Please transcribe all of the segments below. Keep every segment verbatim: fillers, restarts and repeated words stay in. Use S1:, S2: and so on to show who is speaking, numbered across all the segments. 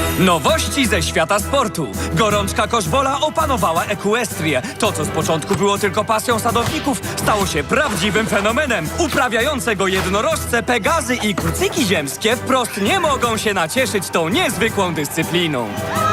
S1: Nowości ze świata sportu. Gorączka koszbola opanowała Equestrię. To, co z początku było tylko pasją sadowników, stało się prawdziwym fenomenem. Uprawiające go jednorożce, pegazy i kucyki ziemskie wprost nie mogą się nacieszyć tą niezwykłą dyscypliną.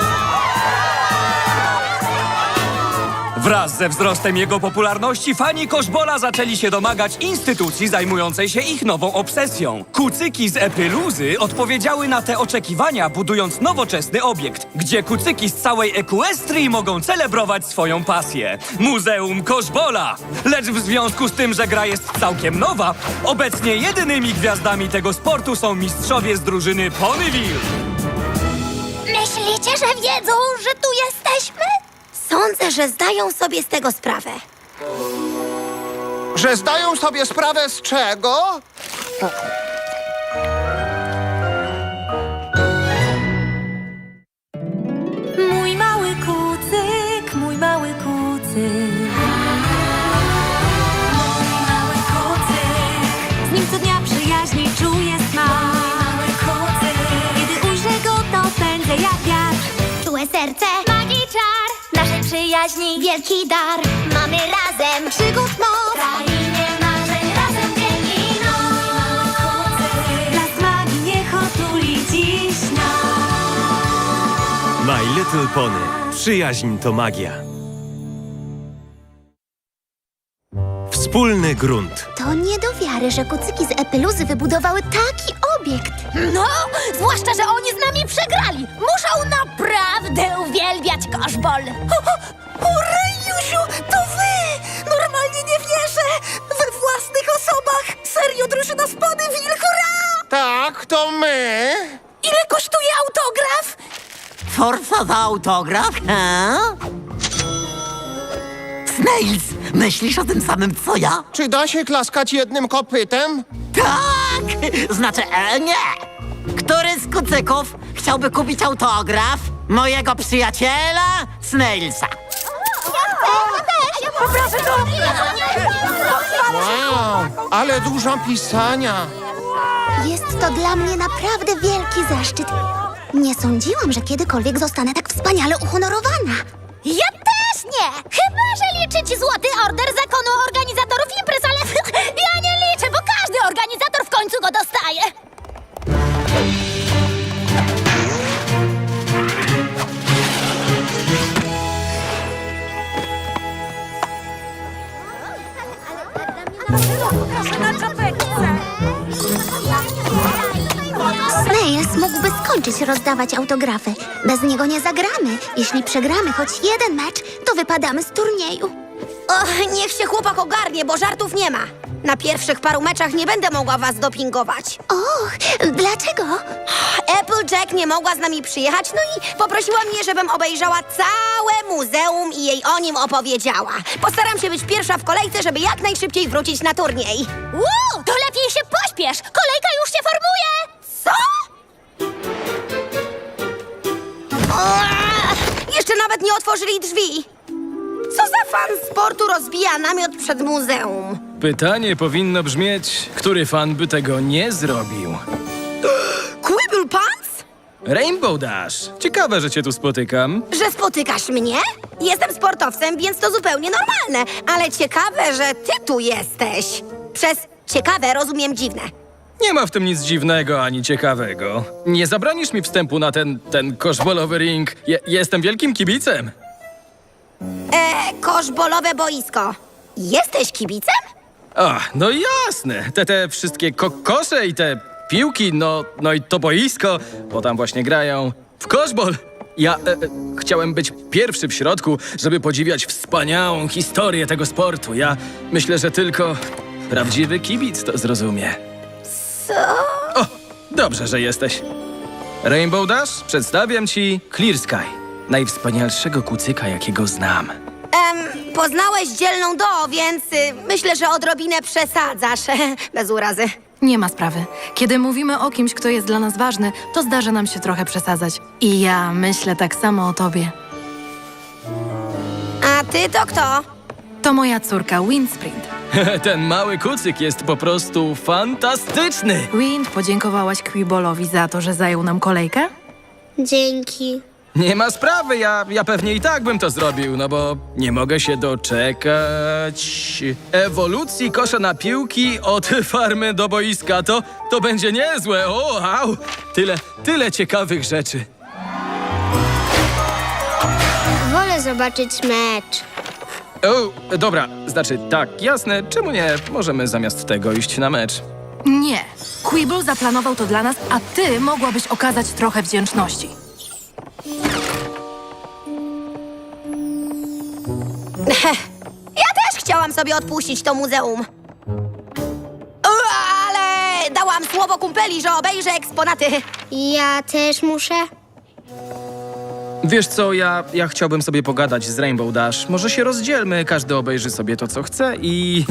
S1: Wraz ze wzrostem jego popularności fani koszbola zaczęli się domagać instytucji zajmującej się ich nową obsesją. Kucyki z Epiluzy odpowiedziały na te oczekiwania, budując nowoczesny obiekt, gdzie kucyki z całej Equestrii mogą celebrować swoją pasję. Muzeum Koszbola! Lecz w związku z tym, że gra jest całkiem nowa, obecnie jedynymi gwiazdami tego sportu są mistrzowie z drużyny Ponyville.
S2: Myślicie, że wiedzą, że tu jesteśmy? Sądzę, że zdają sobie z tego sprawę.
S3: Że zdają sobie sprawę z czego?
S4: Mój mały kucyk, mój mały kucyk. Mój mały kucyk. Z nim co dnia przyjaźni czuję smak. Mój mały kucyk. Kiedy ujrzę go, to pędzę jak wiatr.
S2: Czułe serce, magii czar, naszej przyjaźni wielki dar. Mamy razem przygód moc, krainie marzeń razem dzień i noc.
S4: Blask magii niech otuli dziś nas.
S5: My Little Pony. Przyjaźń to magia. Wspólny grunt.
S2: To nie do wiary, że kucyki z Epiluzy wybudowały taki obiekt. No, zwłaszcza, że oni z nami przegrali. Muszą naprawdę uwielbiać koszbol.
S4: O, Rejusiu, to wy! Normalnie nie wierzę! We własnych osobach! Serio, drużyna z Ponyville, hurra!
S3: Tak, to my.
S4: Ile kosztuje autograf?
S6: Forsa za autograf, he? Snails, myślisz o tym samym co ja?
S3: Czy da się klaskać jednym kopytem?
S6: Tak! Znaczy, e, nie! Który z kucyków chciałby kupić autograf mojego przyjaciela Snailsa?
S3: Wow, ale dużo pisania.
S2: Jest to dla mnie naprawdę wielki zaszczyt. Nie sądziłam, że kiedykolwiek zostanę tak wspaniale uhonorowana. Ja też nie! Chyba, że liczyć złoty order zakonu organizatorów imprez, ale ja nie liczę, bo każdy organizator w końcu go dostaje. Snails mógłby skończyć rozdawać autografy. Bez niego nie zagramy. Jeśli przegramy choć jeden mecz, to wypadamy z turnieju.
S7: Och, niech się chłopak ogarnie, bo żartów nie ma. Na pierwszych paru meczach nie będę mogła was dopingować.
S2: Och, dlaczego?
S7: Applejack nie mogła z nami przyjechać, no i poprosiła mnie, żebym obejrzała całe muzeum i jej o nim opowiedziała. Postaram się być pierwsza w kolejce, żeby jak najszybciej wrócić na turniej.
S2: Wow, to lepiej się pośpiesz! Kolejka już się formuje!
S7: Co? Uaa, jeszcze nawet nie otworzyli drzwi. Co za fan sportu rozbija namiot przed muzeum?
S8: Pytanie powinno brzmieć, który fan by tego nie zrobił?
S7: Quibble Pants?
S8: Rainbow Dash! Ciekawe, że cię tu spotykam.
S7: Że spotykasz mnie? Jestem sportowcem, więc to zupełnie normalne. Ale ciekawe, że ty tu jesteś. Przez ciekawe rozumiem dziwne.
S8: Nie ma w tym nic dziwnego ani ciekawego. Nie zabronisz mi wstępu na ten, ten koszbolowy ring. Je, jestem wielkim kibicem.
S7: E, koszbolowe boisko. Jesteś kibicem?
S8: Ach, no jasne. Te, te wszystkie kokosze i te piłki, no, no i to boisko, bo tam właśnie grają w koszbol. Ja e, e, chciałem być pierwszy w środku, żeby podziwiać wspaniałą historię tego sportu. Ja myślę, że tylko prawdziwy kibic to zrozumie.
S7: Co?
S8: O, dobrze, że jesteś. Rainbow Dash, przedstawiam ci Clear Sky, najwspanialszego kucyka, jakiego znam.
S7: Em, poznałeś dzielną Do, więc y, myślę, że odrobinę przesadzasz. Bez urazy.
S9: Nie ma sprawy. Kiedy mówimy o kimś, kto jest dla nas ważny, to zdarza nam się trochę przesadzać. I ja myślę tak samo o tobie.
S7: A ty to kto?
S9: To moja córka Windsprint.
S8: Ten mały kucyk jest po prostu fantastyczny.
S9: Wind, podziękowałaś Quibolowi za to, że zajął nam kolejkę?
S2: Dzięki.
S8: Nie ma sprawy, ja, ja pewnie i tak bym to zrobił, no bo nie mogę się doczekać ewolucji kosza na piłki od farmy do boiska. To, to będzie niezłe, o, au! Tyle, tyle ciekawych rzeczy.
S2: Wolę zobaczyć mecz.
S8: O, dobra, znaczy tak, jasne, czemu nie? Możemy zamiast tego iść na mecz.
S9: Nie. Quibble zaplanował to dla nas, a ty mogłabyś okazać trochę wdzięczności.
S7: Ja też chciałam sobie odpuścić to muzeum. U, ale dałam słowo kumpeli, że obejrzę eksponaty.
S2: Ja też muszę.
S8: Wiesz co, ja, ja chciałbym sobie pogadać z Rainbow Dash. Może się rozdzielmy, każdy obejrzy sobie to, co chce i...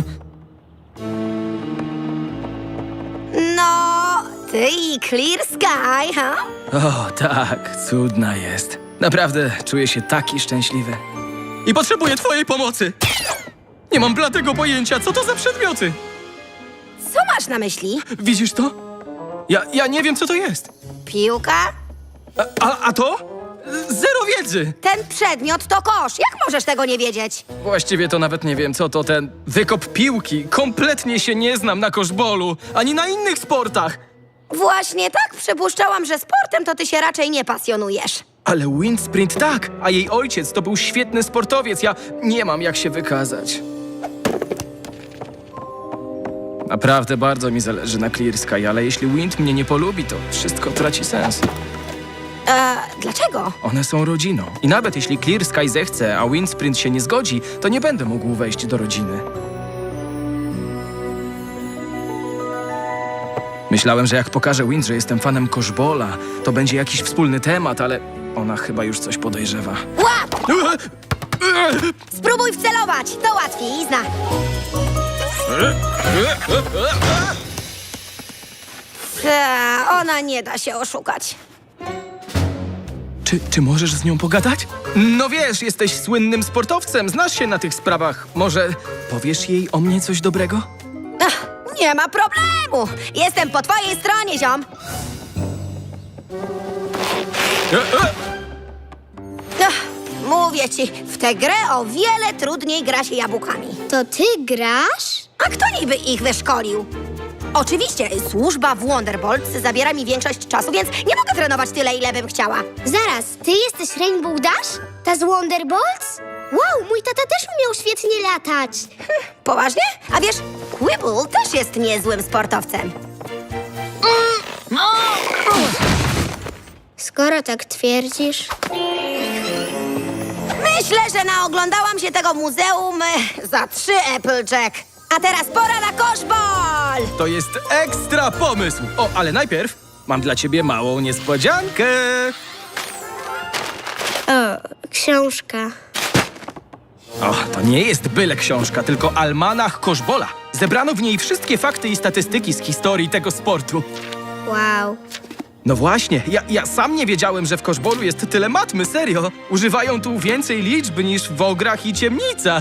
S7: No, ty i Clear Sky, ha?
S8: O, tak, cudna jest. Naprawdę czuję się taki szczęśliwy. I potrzebuję twojej pomocy. Nie mam bladego pojęcia, co to za przedmioty.
S7: Co masz na myśli?
S8: Widzisz to? Ja, ja nie wiem, co to jest.
S7: Piłka?
S8: A, a, a to? Zero wiedzy.
S7: Ten przedmiot to kosz. Jak możesz tego nie wiedzieć?
S8: Właściwie to nawet nie wiem, co to ten wykop piłki. Kompletnie się nie znam na koszbolu, ani na innych sportach.
S7: Właśnie tak przypuszczałam, że sportem to ty się raczej nie pasjonujesz.
S8: Ale windsprint tak, a jej ojciec to był świetny sportowiec. Ja nie mam jak się wykazać. Naprawdę bardzo mi zależy na Clear Sky, ale jeśli Wind mnie nie polubi, to wszystko traci sens.
S7: E, dlaczego?
S8: One są rodziną. I nawet jeśli Clear Sky zechce, a windsprint się nie zgodzi, to nie będę mógł wejść do rodziny. Myślałem, że jak pokażę Wind, że jestem fanem koszbola, to będzie jakiś wspólny temat, ale ona chyba już coś podejrzewa.
S7: Łap! Spróbuj wcelować, to łatwizna. Ta, ona nie da się oszukać.
S8: Czy, czy możesz z nią pogadać? No wiesz, jesteś słynnym sportowcem, znasz się na tych sprawach. Może powiesz jej o mnie coś dobrego?
S7: Ach, nie ma problemu. Jestem po twojej stronie, ziom.
S8: E, e!
S7: Ach, mówię ci, w tę grę o wiele trudniej gra się jabłkami.
S2: To ty grasz?
S7: A kto niby ich wyszkolił? Oczywiście, służba w Wonderbolts zabiera mi większość czasu, więc nie mogę trenować tyle, ile bym chciała.
S2: Zaraz, ty jesteś Rainbow Dash? Ta z Wonderbolts? Wow, mój tata też umiał świetnie latać.
S7: Poważnie? A wiesz, Quibble też jest niezłym sportowcem.
S2: Skoro tak twierdzisz...
S7: Myślę, że naoglądałam się tego muzeum e, za trzy Applejack. A teraz pora na koszbol!
S8: To jest ekstra pomysł! O, ale najpierw mam dla ciebie małą niespodziankę.
S2: O, książka.
S8: O, to nie jest byle książka, tylko almanach koszbola. Zebrano w niej wszystkie fakty i statystyki z historii tego sportu.
S2: Wow.
S8: No właśnie, ja, ja sam nie wiedziałem, że w koszbolu jest tyle matmy, serio. Używają tu więcej liczb niż w ograch i ciemnicach.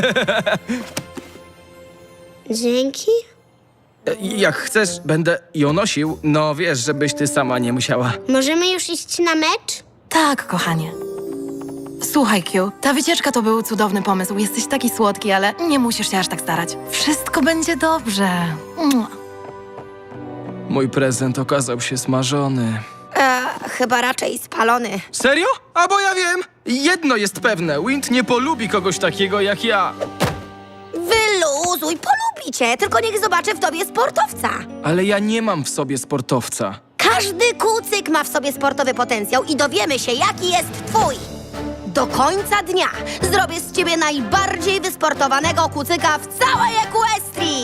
S2: Dzięki.
S8: Jak chcesz, będę ją nosił. No wiesz, żebyś ty sama nie musiała.
S2: Możemy już iść na mecz?
S9: Tak, kochanie. Słuchaj, Q, ta wycieczka to był cudowny pomysł. Jesteś taki słodki, ale nie musisz się aż tak starać. Wszystko będzie dobrze. Mua.
S8: Mój prezent okazał się smażony.
S7: E, chyba raczej spalony.
S8: Serio? A bo ja wiem! Jedno jest pewne, Wind nie polubi kogoś takiego jak ja.
S7: Wyluzuj, polubi cię, tylko niech zobaczy w tobie sportowca.
S8: Ale ja nie mam w sobie sportowca.
S7: Każdy kucyk ma w sobie sportowy potencjał i dowiemy się, jaki jest twój. Do końca dnia zrobię z ciebie najbardziej wysportowanego kucyka w całej Equestrii.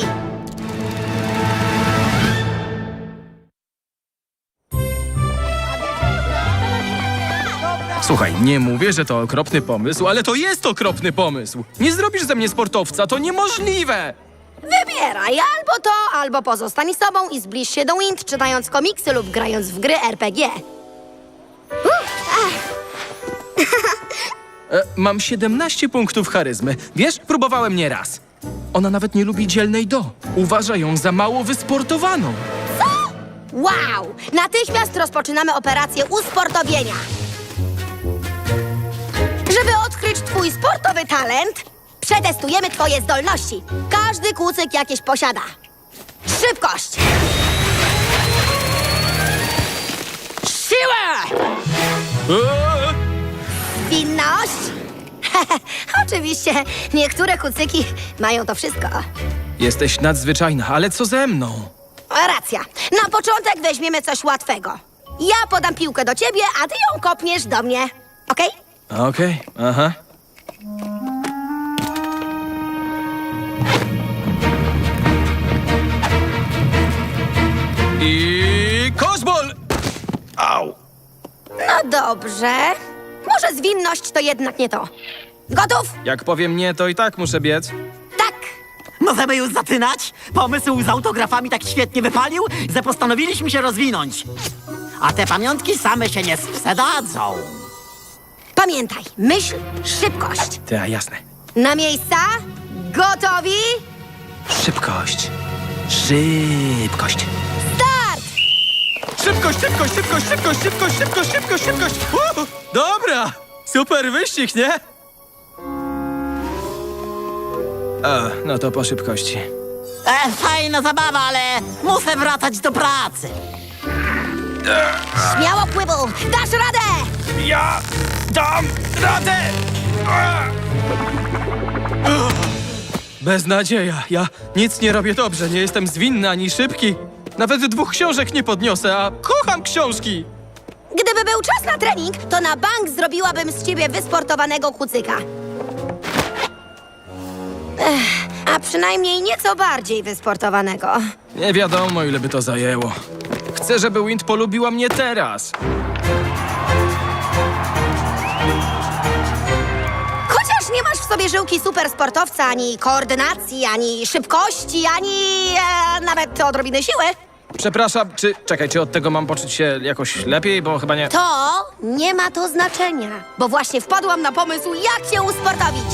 S8: Słuchaj, nie mówię, że to okropny pomysł, ale to jest okropny pomysł. Nie zrobisz ze mnie sportowca, to niemożliwe!
S7: Wybieraj albo to, albo pozostań sobą i zbliż się do Wind, czytając komiksy lub grając w gry R P G.
S8: E, mam siedemnaście punktów charyzmy. Wiesz, próbowałem nie raz. Ona nawet nie lubi dzielnej do. Uważa ją za mało wysportowaną.
S7: Wow! Natychmiast rozpoczynamy operację usportowienia. Żeby odkryć twój sportowy talent, przetestujemy twoje zdolności. Każdy kucyk jakieś posiada. Szybkość! Siłę!
S8: Eee!
S7: Zwinność? Oczywiście, niektóre kucyki mają to wszystko.
S8: Jesteś nadzwyczajna, ale co ze mną?
S7: Racja. Na początek weźmiemy coś łatwego. Ja podam piłkę do ciebie, a ty ją kopniesz do mnie. Okej?
S8: Okej, aha. I koszbol! Au!
S7: No dobrze. Może zwinność to jednak nie to. Gotów?
S8: Jak powiem nie, to i tak muszę biec.
S7: Tak.
S6: Możemy już zaczynać? Pomysł z autografami tak świetnie wypalił, że postanowiliśmy się rozwinąć. A te pamiątki same się nie sprzedadzą.
S7: Pamiętaj, myśl, szybkość.
S8: Ta, jasne.
S7: Na miejsca? Gotowi?
S8: Szybkość. Szybkość.
S7: Start!
S8: Szybkość, szybkość, szybkość, szybkość, szybkość, szybkość, szybkość, szybkość. Uh, dobra! Super wyścig, nie? A, no to po szybkości.
S6: E, fajna zabawa, ale muszę wracać do pracy.
S7: Śmiało, Quibble! Dasz radę!
S8: Ja dam radę! Beznadzieja. Ja nic nie robię dobrze. Nie jestem zwinny ani szybki. Nawet dwóch książek nie podniosę, a kocham książki.
S7: Gdyby był czas na trening, to na bank zrobiłabym z ciebie wysportowanego kucyka. Ech, a przynajmniej nieco bardziej wysportowanego.
S8: Nie wiadomo, ile by to zajęło. Chcę, żeby Wind polubiła mnie teraz.
S7: Chociaż nie masz w sobie żyłki supersportowca, ani koordynacji, ani szybkości, ani e, nawet odrobiny siły,
S8: Przepraszam, czy... Czekaj, czy od tego mam poczuć się jakoś lepiej, bo chyba nie...
S7: to nie ma to znaczenia, bo właśnie wpadłam na pomysł, jak się usportowić.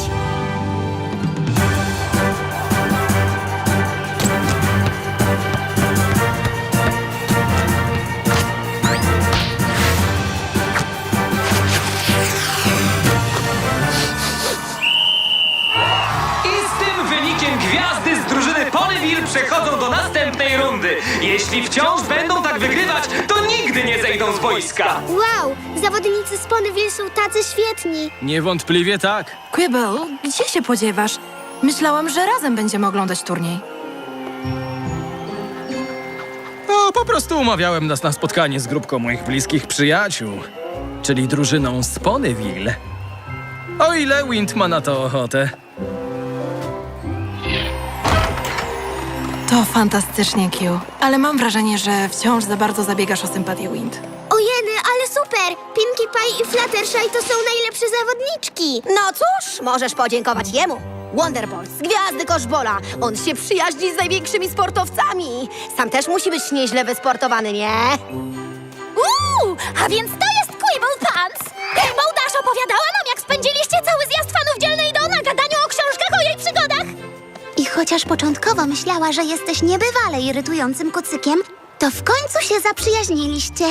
S1: I z tym wynikiem gwiazdy z drużyny Ponyville przechodzą do następnej rundy. Jeśli wciąż będą tak wygrywać, to nigdy nie zejdą z boiska.
S2: Wow, zawodnicy z Ponyville są tacy świetni.
S8: Niewątpliwie tak.
S9: Quibble, gdzie się podziewasz? Myślałam, że razem będziemy oglądać turniej.
S8: No, po prostu umawiałem nas na spotkanie z grupką moich bliskich przyjaciół, czyli drużyną z Ponyville. O ile Wind ma na to ochotę.
S9: To fantastycznie, Q. Ale mam wrażenie, że wciąż za bardzo zabiegasz o sympatię Wind.
S2: Ojeny, ale super! Pinkie Pie i Fluttershy to są najlepsze zawodniczki.
S7: No cóż, możesz podziękować jemu. Wonderbolt z gwiazdy koszbola. On się przyjaźni z największymi sportowcami. Sam też musi być nieźle wysportowany, nie?
S2: Uuu, a więc to jest Quibble Pants! Rainbow Dash opowiadała nam, jak spędziliście cały zjazd fanów Dzielnej Do na gadaniu o książkach o jej przygodach. I chociaż początkowo myślała, że jesteś niebywale irytującym kucykiem, to w końcu się zaprzyjaźniliście.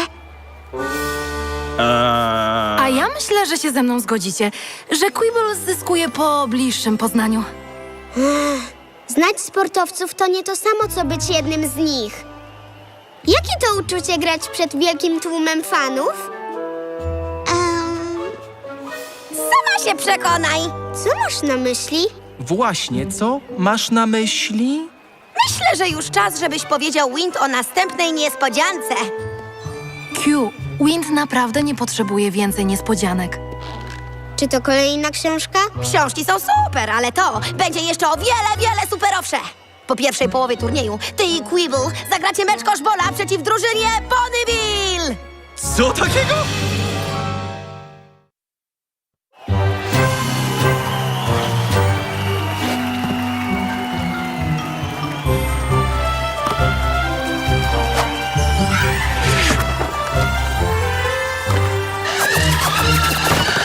S9: A ja myślę, że się ze mną zgodzicie, że Quibble zyskuje po bliższym poznaniu.
S2: Znać sportowców to nie to samo, co być jednym z nich. Jakie to uczucie grać przed wielkim tłumem fanów? Um,
S7: Sama się przekonaj.
S2: co masz na myśli?
S8: Właśnie, co masz na myśli?
S7: Myślę, że już czas, żebyś powiedział Wind o następnej niespodziance.
S9: Q, Wind naprawdę nie potrzebuje więcej niespodzianek.
S2: Czy to kolejna książka?
S7: Książki są super, ale to będzie jeszcze o wiele, wiele superowsze. Po pierwszej połowie turnieju ty i Quibble zagracie mecz koszbola przeciw drużynie Ponyville.
S8: Co takiego?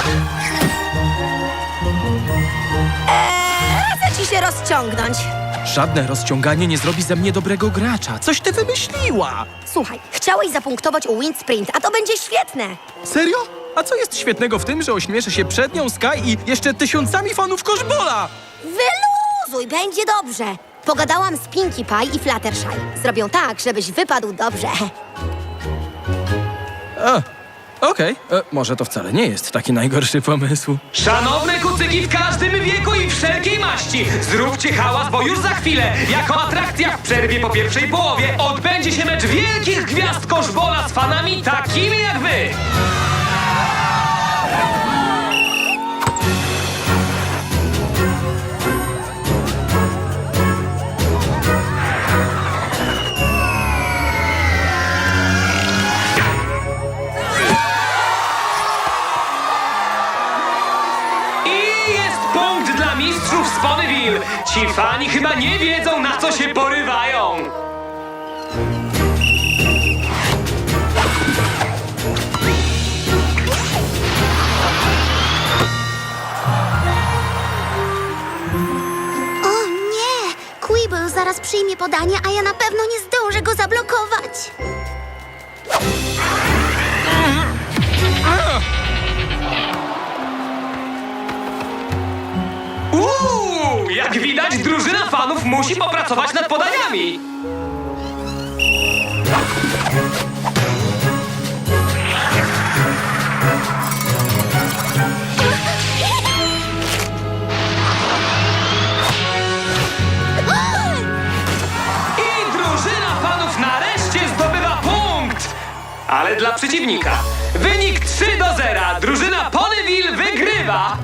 S7: Radzę ci się rozciągnąć.
S8: Żadne rozciąganie nie zrobi ze mnie dobrego gracza. Coś ty wymyśliła!
S7: Słuchaj, chciałeś zapunktować u Wind Sprint, a to będzie świetne.
S8: Serio? A co jest świetnego w tym, że ośmieszę się przed nią, Sky i jeszcze tysiącami fanów koszbola?
S7: Wyluzuj, będzie dobrze. Pogadałam z Pinkie Pie i Fluttershy. Zrobią tak, żebyś wypadł dobrze.
S8: A, okej. E, Może to wcale nie jest taki najgorszy pomysł.
S1: Szanowne kucyki w każdym wieku i wszelkiej maści, zróbcie hałas, bo już za chwilę, jako atrakcja w przerwie po pierwszej połowie, odbędzie się mecz wielkich gwiazd koszbola z fanami takimi jak wy. I jest punkt dla mistrzów z Ponyville. Ci fani chyba nie wiedzą, na co się porywają.
S2: O nie! Quibble zaraz przyjmie podanie, a ja na pewno nie zdążę go zablokować.
S1: Uuu, jak widać, drużyna fanów musi popracować nad podaniami. I drużyna fanów nareszcie zdobywa punkt. Ale dla przeciwnika. Wynik trzy do zera. Drużyna Ponyville wygrywa.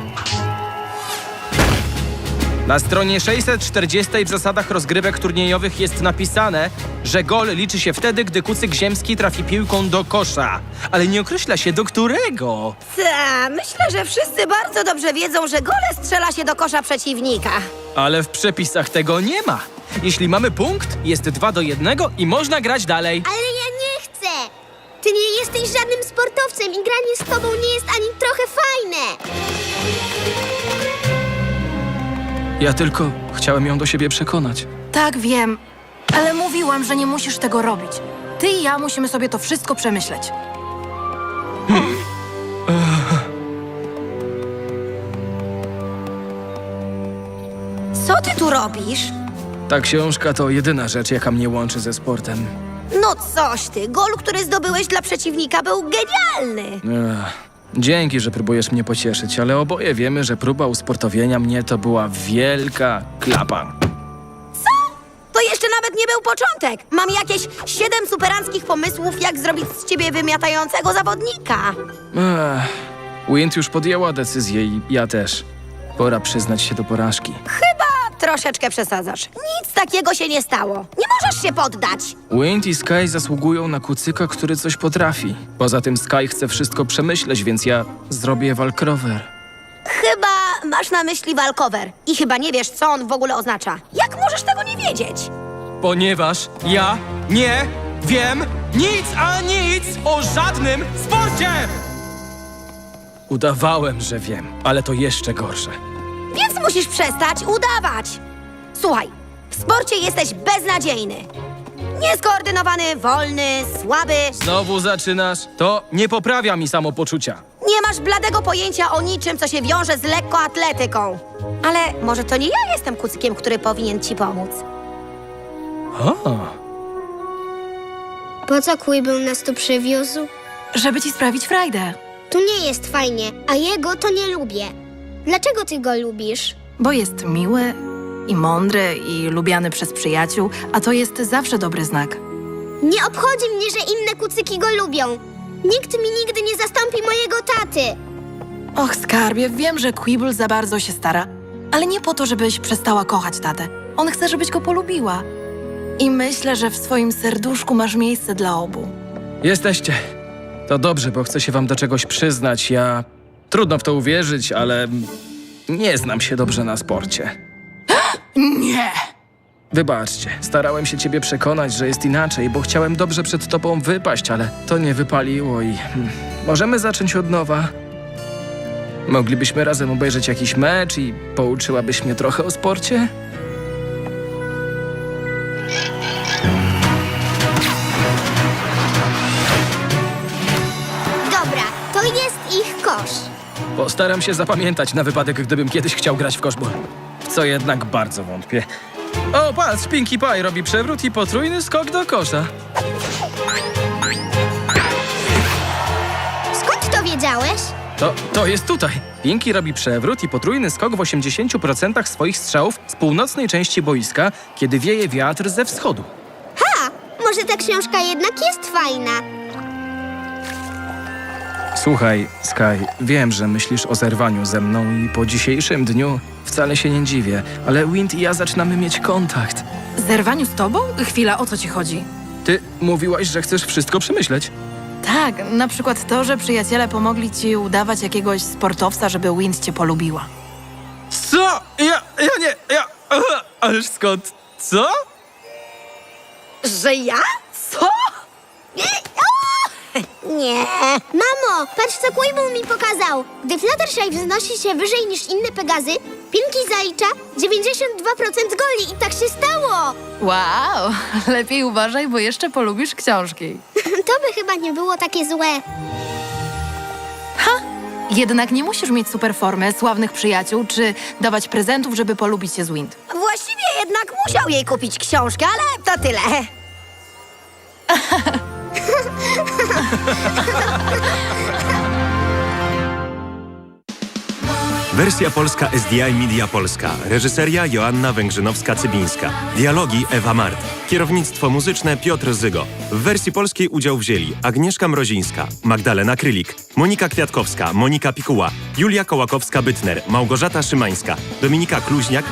S8: Na stronie sześćset czterdzieści w zasadach rozgrywek turniejowych jest napisane, że gol liczy się wtedy, gdy kucyk ziemski trafi piłką do kosza. Ale nie określa się do którego.
S7: Ta, myślę, że wszyscy bardzo dobrze wiedzą, że gole strzela się do kosza przeciwnika.
S8: Ale w przepisach tego nie ma. Jeśli mamy punkt, jest dwa do jednego i można grać dalej.
S2: Ale ja nie chcę! Ty nie jesteś żadnym sportowcem i granie z tobą nie jest ani trochę fajne!
S8: Ja tylko chciałem ją do siebie przekonać.
S9: Tak, wiem, ale mówiłam, że nie musisz tego robić. Ty i ja musimy sobie to wszystko przemyśleć.
S7: Co ty tu robisz?
S8: Ta książka to jedyna rzecz, jaka mnie łączy ze sportem.
S7: No coś ty, gol, który zdobyłeś dla przeciwnika, był genialny.
S8: Ech, dzięki, że próbujesz mnie pocieszyć, ale oboje wiemy, że próba usportowienia mnie to była wielka klapa.
S7: To jeszcze nawet nie był początek. Mam jakieś siedem superanckich pomysłów, jak zrobić z ciebie wymiatającego zawodnika.
S8: Ech, Wind już podjęła decyzję i ja też. Pora przyznać się do porażki.
S7: Chyba troszeczkę przesadzasz. Nic takiego się nie stało. Nie możesz się poddać.
S8: Wind i Sky zasługują na kucyka, który coś potrafi. Poza tym Sky chce wszystko przemyśleć, więc ja zrobię walkrower.
S7: Chyba masz na myśli walkover. I chyba nie wiesz, co on w ogóle oznacza. Jak możesz tego nie wiedzieć?
S8: Ponieważ ja nie wiem nic, a nic o żadnym sporcie! Udawałem, że wiem, ale to jeszcze gorsze.
S7: Więc musisz przestać udawać. Słuchaj, w sporcie jesteś beznadziejny. Nieskoordynowany, wolny, słaby.
S8: Znowu zaczynasz? To nie poprawia mi samopoczucia.
S7: Nie masz bladego pojęcia o niczym, co się wiąże z lekkoatletyką. Ale może to nie ja jestem kucykiem, który powinien ci pomóc.
S8: O,
S2: Po co Quibble nas tu przywiózł?
S9: Żeby ci sprawić frajdę.
S2: Tu nie jest fajnie, a jego to nie lubię. Dlaczego ty go lubisz?
S9: Bo jest miły i mądry i lubiany przez przyjaciół, a to jest zawsze dobry znak.
S2: Nie obchodzi mnie, że inne kucyki go lubią. Nikt mi nigdy nie zastąpi mojego taty.
S9: Och, skarbie, wiem, że Quibble za bardzo się stara, ale nie po to, żebyś przestała kochać tatę. On chce, żebyś go polubiła. I myślę, że w swoim serduszku masz miejsce dla obu.
S8: jesteście. To dobrze, bo chcę się wam do czegoś przyznać. Ja... Trudno w to uwierzyć, ale... nie znam się dobrze na sporcie.
S9: Nie!
S8: Wybaczcie, starałem się ciebie przekonać, że jest inaczej, bo chciałem dobrze przed tobą wypaść, ale to nie wypaliło i... hmm, możemy zacząć od nowa. Moglibyśmy razem obejrzeć jakiś mecz i pouczyłabyś mnie trochę o sporcie?
S4: kosz.
S8: Postaram się zapamiętać na wypadek, gdybym kiedyś chciał grać w koszbol. W co jednak bardzo wątpię. O, patrz, Pinkie Pie robi przewrót i potrójny skok do kosza.
S2: Skąd to wiedziałeś?
S8: To, to jest tutaj. Pinkie robi przewrót i potrójny skok w osiemdziesięciu procentach swoich strzałów z północnej części boiska, kiedy wieje wiatr ze wschodu.
S2: Ha! Może ta książka jednak jest fajna.
S8: Słuchaj, Sky, wiem, że myślisz o zerwaniu ze mną i po dzisiejszym dniu wcale się nie dziwię, ale Wind i ja zaczynamy mieć kontakt.
S9: Zerwaniu z tobą? Chwila, o co ci chodzi?
S8: Ty mówiłaś, że chcesz wszystko przemyśleć.
S9: Tak, na przykład to, że przyjaciele pomogli ci udawać jakiegoś sportowca, żeby Wind cię polubiła.
S8: Co? Ja, ja nie, ja... Aha, ależ skąd? Co?
S7: Że ja? Co?
S2: Nie. Mamo, patrz co Quibble mi pokazał. Gdy Fluttershy wznosi się wyżej niż inne Pegazy, Pinkie zalicza dziewięćdziesiąt dwa procent goli i tak się stało.
S9: Wow, lepiej uważaj, bo jeszcze polubisz książki.
S2: To by chyba nie było takie złe.
S9: Jednak nie musisz mieć super formy, sławnych przyjaciół, czy dawać prezentów, żeby polubić się z Wind.
S7: Właściwie jednak musiał jej kupić książkę, ale to tyle.
S5: Wersja polska S D I Media Polska. Reżyseria Joanna Węgrzynowska-Cybińska. Dialogi Ewa Mart. Kierownictwo muzyczne Piotr Zygo. W wersji polskiej udział wzięli Agnieszka Mrozińska, Magdalena Krylik, Monika Kwiatkowska, Monika Pikuła, Julia Kołakowska-Bytner, Małgorzata Szymańska, Dominika Kluźniak,